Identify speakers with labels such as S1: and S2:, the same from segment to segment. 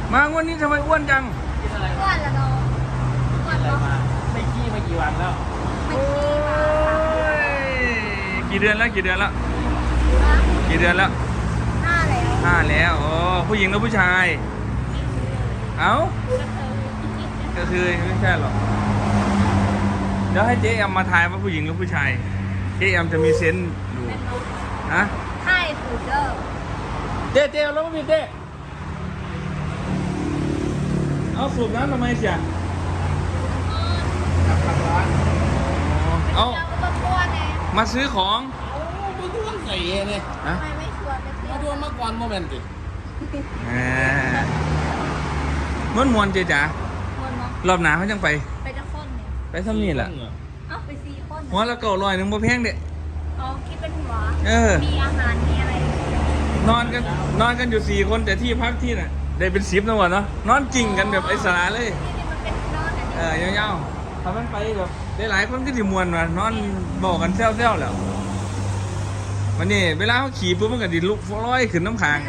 S1: มาวันนี้ทำไมอ้วนจัง
S2: กินอะไรอ้วนละน้องอ้วนมาไม่ขี้มากี่วันแล้ว
S1: โอ้ยกี่เดือนแล้วกี่เดือนแล้ว5 แล้วโอ้ผู้หญิงหรือผู้ชายเอ้าก็คือไม่ใช่หรอกเดี๋ยวให้เจ๊แอมมาทายว่าผู้หญิงหรือผู้ชายเจ๊แอมจะมีเซนส์ดูฮะ
S2: ใช่ถูกเด้อ
S1: เจ๊แล้วไม่มีเจ๊เอาสูบน้ำทำไมเสียเอามาซื้อของ
S2: ไม่ชวนใส่เนี่ยทำไมไม่ชวนมาชวนมาก่อนโมเมนต์ดิ
S1: ม้วนเจ๊จ๋า
S2: ม้วนเนาะ
S1: รอบหนาเขาจังไป
S2: จะคนเนี่ย
S1: ไปทำนี่แหละ
S2: เอ้าไป4 คน
S1: หัวละ900 นึงบ่แพงเด็ด
S2: อ๋อคิดเป็นหัวมีอาหารมีอะไร
S1: นอนกันอยู่4 คนแต่ที่พักที่น่ะได้เป็น10นะวะเนาะนอนจริงกันแบบไอ้สาเลยยาวๆทำมันไปแบบได้หลายคนก็ที่มวนว่ะนอนบอกกันแซวๆแล้ววันนี้เวลาเขาขี่ปุ๊บมันก็ดิลุกร้อยขึ้นน้ำค้าง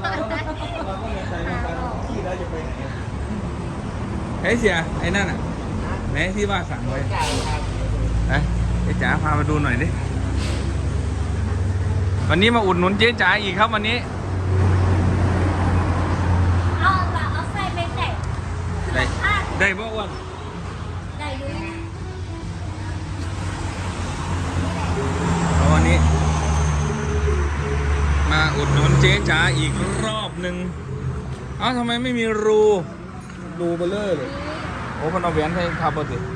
S1: ไอ้เสียไอ้นั่นอ่ะไหนที่ว่าสั่งไว้ไอ้จ๋าพามาดูหน่อยดิวันนี้มาอุดหนุนเจ๊จ๋าอีกครับวันนี้
S2: เอาใส่ไป
S1: ได้บ่อ้วน
S2: ได้ดู
S1: วันนี้มาอุดหนุนเจ๊จ๋าอีกรอบหนึ่งเอ้าทำไมไม่มีรูเบลอเลยโอ้มันเอาแหวนให้ทับบ่สิ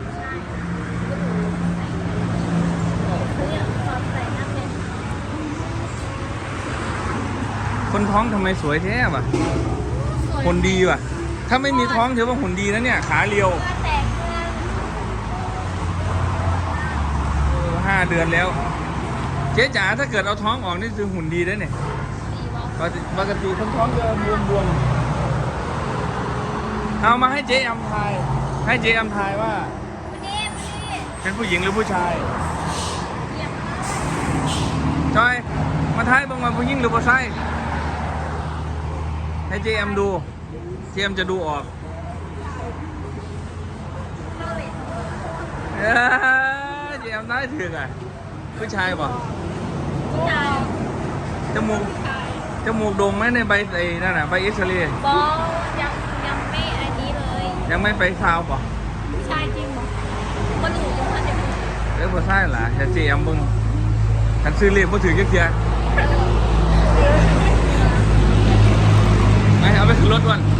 S1: คนท้องทำไมสวยแท้ว่ะหุ่นดีว่ะถ้าไม่มีท้องถือว่าหุ่นดีนะเนี่ยขาเรียว5 เดือนแล้วเจ๊จ๋าถ้าเกิดเอาท้องออกนี่คือหุ่นดีได้เนี่ยปกติคนท้องจะบวมเอามาให้เจ๊อำทายว่าเป็นผู้หญิงหรือผู้ชายจอยมาทายบ้างว่าผู้หญิงหรือผู้ชายให้เจ๊อำดูเจ๊อำจะดูออกเจ๊อำได้ถึงอ่ะผู้ชายป่ะจมูกโด่งไหมในใบไอ้นั่นน่ะใบเอ็กซเรย์
S2: บอยังไม่อันนี้เลย
S1: ยังไม่ไปซาวป่ะ
S2: ผู้ชายจริงป่ะคนอื่นยังไม่ได้
S1: ผู้ชายล่ะจะเจียมบึงกันซื้อเรียบก็ถือเยอะๆไม่เอาไปขึ้นรถวัน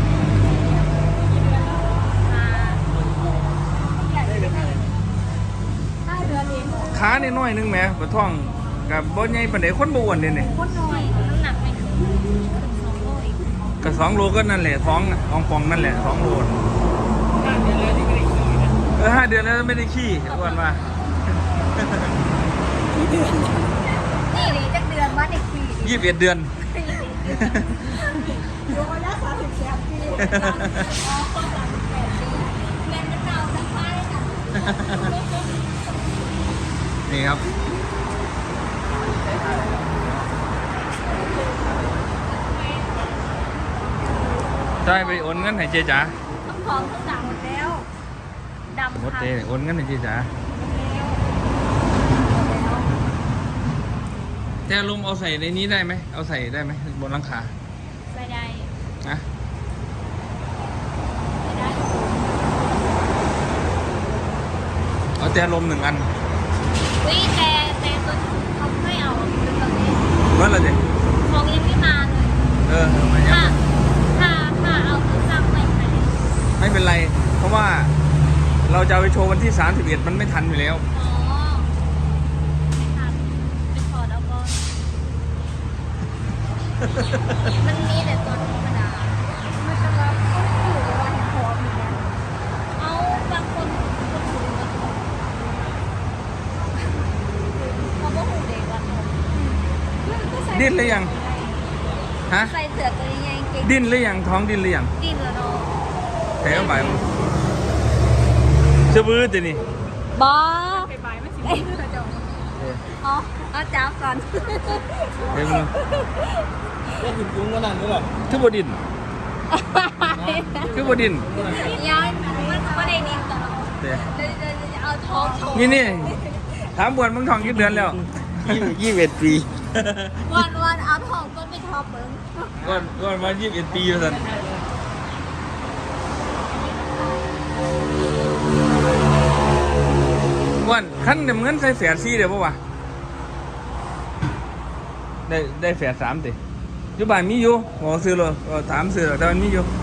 S1: ขาเนี่ยน้อยนึงแหมปวดท้องกับบ่ใหญ่ปานใดคนบ่อ้วนเนี่ย
S2: คนน้อยน้ำหนักไม่ถึง2 โลอีก
S1: ก็2 โลก็นั่นแหละท้องป่องนั่นแหละ2 โล5 เดือนแล้วไม่ได้ขี้อ้วนมา
S2: นี่เลยจักเดือนว่าเด็กขี้
S1: 21 เดือน
S2: โยนละ38 ปีแม่เป็นเก่าทั้งบ้านค่ะ
S1: นี่ครับได้ไปโอนเงินให้เจ๊จ๋า
S2: ทั้งของทั้งด่างหมดแล้วดำ
S1: หมดเจ๊โอนเงินให้เจ๊จ๋าแต่ลุงเอาใส่ในนี้ได้ไหมเอาใส่ได้ไหมบนหลังคา
S2: ไม่ได้
S1: นะ
S2: ไม่ได้
S1: เอาแต่ลม1 อัน
S2: วิแต่ตัวเขาไม่เอาเป็นแบบนี้
S1: ว่าอะไรเจ๊
S2: ของยังไม่มาเลย
S1: มันยัง
S2: ถ้าเอาตัวสั่ง
S1: ไม่เป็นไรเพราะว่าเราจะไปโชว์วันที่31มันไม่ทันอยู่แล้ว
S2: อ๋อไม่ทันไปขอดเอาบอลมันมีแต่ตัวธรรมดาไม่เป็นไรก็ไม่อยู่ในวันพร้อมเหมือนกันเอาบางคนเขาก็หูเด็กวัน
S1: ดิ้นหรือยังฮะ
S2: ใส่เสื้อตัวยังไงเก่ง
S1: ดิ้นหรือยังท้องดิ้นหรือยัง
S2: ดิ้นแล้วเนาะ
S1: แถวบ่ายจะบื้อจีนี่
S2: บอไปบ่ายไม่สิอ๋อเอาจ้าก่อน
S1: เดี๋ยวมึง
S2: ได้ถึงจุ้ง
S1: ก็
S2: นั่น
S1: ด้วยทุบดินคือบดิน
S2: ยังมันก็ได้นิดต่อ
S1: เดี๋ยว
S2: จะเอาท้องโชว์
S1: นี่ถามบวนมึงทองกี่เดือนแล้ว
S3: 21 ปี
S2: วันเอาท้องก็ไปท็อปเบิ้ง
S1: ก่อนมา21 ปีแล้วสันวันขั้นเดี๋ยวเงินใส่แฝด4เดี๋ยวป่าวะได้แฝด3ติอยู่บ้านมีอยู่หมอซื้อเลยถามซื้อหรอกแต่มันมีอยู่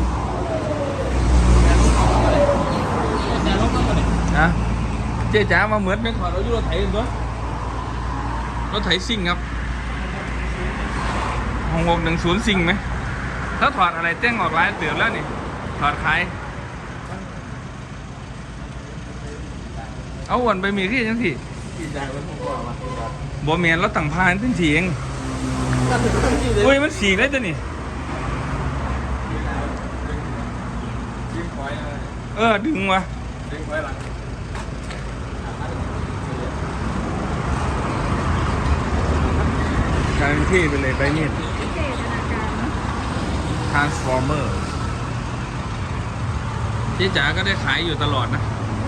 S1: นะเจ๊จ๋ามาเหมือนเป็นขอเราอยู่รถไถกันตัวรถไถซิ่งครับ6610ซิ่งไหมถ้าถอดอะไรเต้งออกร้ายเตือนแล้วนี่ถอดขายเอาวนไปมีที่จังสิบ่เมียนเราตั้งพานเป็นสีเองอุ้ยมันสีได้ตัวนี่ดึงวะการที่ไปเลยไปนี่ Transformer เจ๊จ๋าก็ได้ขายอยู่ตลอดนะ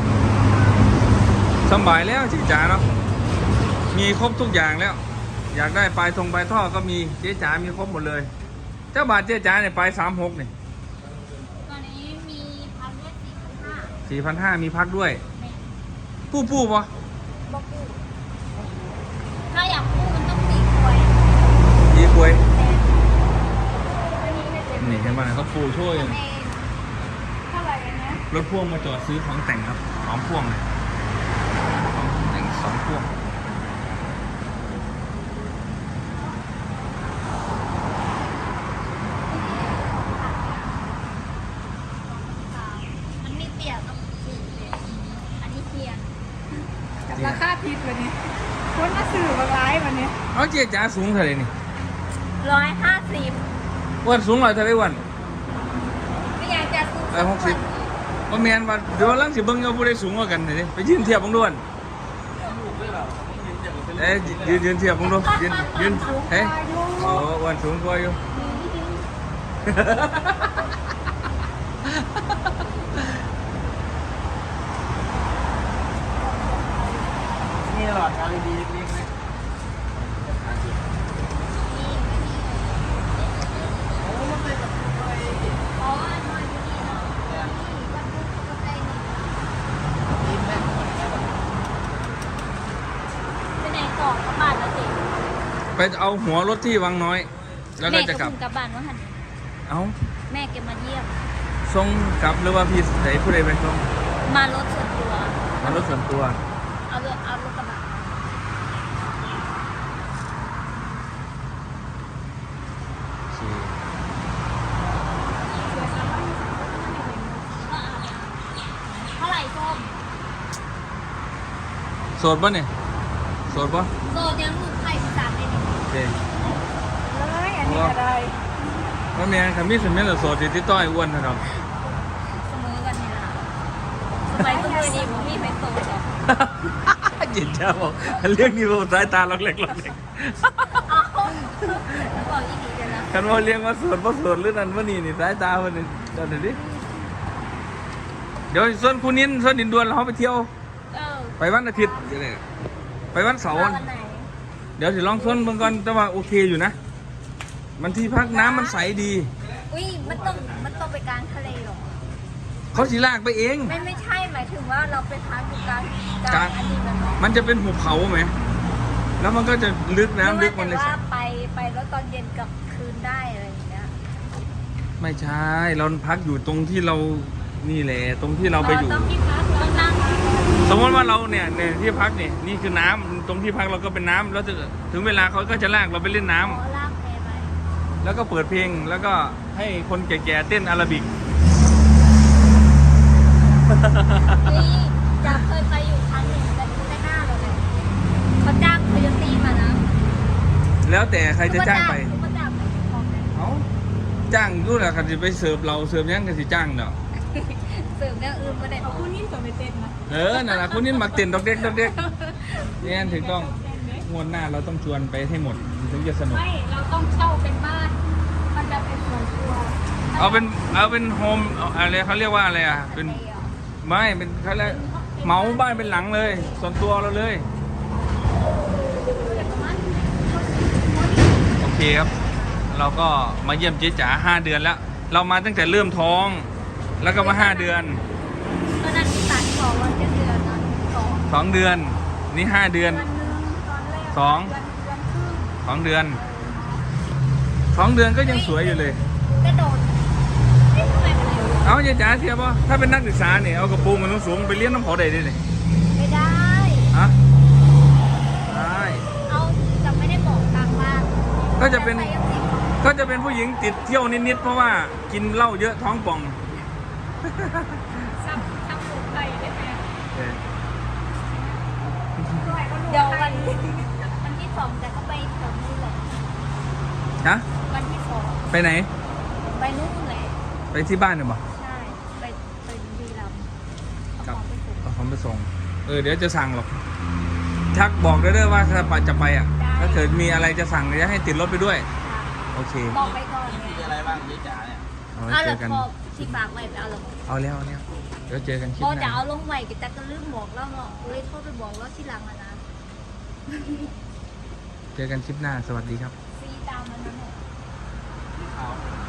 S1: สบายแล้วเจ๊จ๋าเนาะมีครบทุกอย่างแล้ว อยากได้ปลายท่อก็มีเจ๊จ๋ามีครบหมดเลยเจ้าบาทเจ๊จ๋าเนี่ยปลาย36เนี่ย
S2: ตอนนี้มีพันเวท
S1: 4,500
S2: 4,500
S1: มีพักด้วยปูปะ
S2: บอกกูถ้าอยากพูดมันต้องตีควย
S1: ดีกวย
S2: อันนี้ไม่เป็น
S1: นี่เห็นไหมเขาปูช่วย
S2: เท่าไหร่กันนะ
S1: รถพ่วงมาจอดซื้อของแต่งครับ2 พ่วงเลยของแต่ง2 พ่วง
S2: อันนี้เตี่ยต้องสีเลยอันนี้เทียน
S4: กับราคาผิดวันนี้คนมาสื่อบางร้ายวันนี้
S1: เอาเจ๊จ๋าสูงเท่าไหร่นี่
S2: 150
S1: อ้วันสูงเท่าไหร่วัน
S2: ไม่อยากจะซื้อ
S1: 60ว่าแมนว่าเดี๋ยวลังสิเบิ่งเอาผู้ใดสูงกว่ากันนี่ไปยืนเทียบบังด้วนยืนเทียบบังดูยืนเฮ้ยโอ้วันสูงกว่าอยู่
S3: นี่หลอด LED เล็กๆไหม
S2: อ๋ออันนอนอยู่นี่เนาะวันพุธก็ได้นี่ไปไหนก่อนกลับบ้านแล้วสิ
S1: ไปเอาหัวรถที่วังน้อย แล้วก็จะกลับ
S2: แม่ก็เพิ่งกลับบ้านว่าหัน
S1: เอ้า
S2: แม่แกมาเยี่ยม
S1: ส่งกลับหรือว่าพี่ไหนผู้ใดไปส่ง
S2: มารถส่วนตัว
S1: มารถส่วนตัว
S2: เอารถกระบะ เท่าไหร่ส้ม
S1: โสดป่ะเนี่ยโสดป่ะ
S2: โซยังลูกไข่สามเลยนี่
S1: โอเค
S4: เลยอันนี้อะไร
S1: ว่าแม่คำนี้สิแม่นละโสดที่ต้อยอ้วนเท่านั้น
S2: เสมอกันนี่ล่ะสมัยก็เคยดีผมมีไฟโซหรอก
S1: จิตเจ้าบอกเรื่องนี้บอกสายตาล็อกเล็กล็อกเล็ก
S2: เอาบอกอีกทีเดียวนะ
S1: คันว่าเลี้ยงว่าโสดเพราะโสดหรือนั่นว่านี่สายตาวันนี้เดี๋ยวดิเดี๋ยวส่วนคุณนินส่วนดินดวนเราไปเที่ยว ไปวันอาทิตย์เดี๋ยวนี้ไปวันเสาร์
S2: วันไหน
S1: เดี๋ยวสิลองส่วนเบิ่งก่อนแต่ว่าโอเคอยู่นะ มันที่พักน้ำมันใสดี
S2: อุ้ยมันต้องไปกลางทะเลหรอ
S1: เขาสิลากไปเอง
S2: ไม่ใช่หมายถึงว่าเราไปพักอยู่กลาง
S1: กลาง
S2: อันนี้มันหรอ
S1: มันจะเป็นหุบเขาไหม แล้วมันก็จะลึกน้ำลึกมันเลย
S2: ว่าไปแล้วตอนเย็นกลับคืนได้อะไรอย่างเงี้ย
S1: ไม่ใช่ เราพักอยู่ตรงที่เรานี่แหละตรงที่เราไปอยู่
S2: ต้องที่พักต้องนั่ง
S1: สมมติว่าเราเนี่ยที่พักนี่คือน้ำตรงที่พักเราก็เป็นน้ำแล้วถึงเวลาเขาก็จะลากเราไปเล่นน้ำ
S2: ขอลากแพไป
S1: แล้วก็เปิดเพลงแล้วก็ให้คนแก่ๆเต้นอาราบิก
S2: นี่จะเคยไปอยู่ครั้งหนึ่งแต่ดูในหน้าเราเลยเขาจ้างโคโยตี้มานะ
S1: แล้วแต่ใครจะจ้างไป
S2: เขาจ้างไปของกัน
S1: เอาจ้างอยู่แหละคันจะไปเสิร์ฟเราเสิร์ฟยังกันสิจ้างเนาะ
S2: เสริมอย่างอื่นมาได้
S4: เอาคู่นิ่มตัวไปเต้นนะ
S1: นั่นแหละคุณนี่มักเต้นดอกเด็กดอกเด็กเนี่ยถึงต้องงวดหน้าเราต้องชวนไปให้หมดถึงจะสนุก
S4: ไม่เราต้องเช่าเป็นบ้าน มันจะเป็นส่วนตัว ถ้า
S1: เอาเป็นโฮมอะไรเขาเรียกว่าอะไรอ่ะเป็นไม่เป็นเขาเรียกเหมาบ้านเป็นหลังเลย ส่วนตัวเราเลยโอเคครับ เราก็มาเยี่ยมเจ๊จ๋า5 เดือนแล้ว เรามาตั้งแต่เริ่มท้อง แล้วก็มา5 เดือน
S2: ตอนนั้นที่ตัดบอกว่าจะเดือนนั้น2
S1: 2 เดือนนี่5 เดือน
S4: วันหนึงตอนแรก
S1: สอง
S4: เดือนครึ่ง
S1: 2 เดือน 2 เดือนก็ยังสวยอยู่เลย
S2: กระโดดไม่ทำไมมันเลย
S1: เอาเจ๊จ๋าเทียบป่ะถ้าเป็นนักศึกษาเนี่ยเอากระโปรงมันสูงๆไปเลี้ยงน้ำเขาได้ด้วยนี่
S2: ไม่ได้
S1: ฮะได้
S2: เอาจะไม่ได้บอกทางบ้าน
S1: ก็จะเป็น
S2: ใส่ยังติด
S1: ก็จะเป็นผู้หญิงติดเที่ยวนิดๆเพราะว่ากินเหล้าเยอะท้องป่อง
S4: ซ้ำลูกไปได้ไหม
S1: เออ
S4: ด้วยก็ลูก
S2: เดี๋ยว
S4: ไป
S2: วันที่2แต่ก็ไปแถวนู้นแหละ
S1: ฮะ
S2: วันที่
S1: ไปไหน
S2: 2ไปนู่นแหละ
S1: ไปที่บ้านเนี่ยบ่
S2: ใช่ไปบุรีรัมย์เอา
S1: ค
S2: ข
S1: รับ
S2: องไปส่ง
S1: เอาของไปส่งเดี๋ยวจะสั่งหรอกทักบอกได้เลยว่าถ้าจะไปอ่ะ
S2: ได้
S1: ถ้าเกิดมีอะไรจะสั่งจะให้ติดรถไปด้วย
S2: ค่ะ
S1: โอเค
S2: บอกไปก่อน
S3: มี
S2: ไง
S3: อะไรบ้างเจ๊จ๋าเนี่ย
S1: เอาไว้
S2: เอา
S1: เจ
S2: ละ
S1: อกัน
S2: พอที่ฝากไว้ไปเอาละ
S1: เอาแล้วเดี๋ยวเจอกันคลิป
S2: พอ
S1: ห
S2: จะ
S1: น้า
S2: เอาลงไว้แต่ก็ลืมบอกแล้วเนาะเลยโทรไปบอกแล้วที่หลังอะนะ
S1: เจอกันคลิปหน้าสวัสดีครับ
S2: ซีตามมันนะเนี่ย
S3: เอา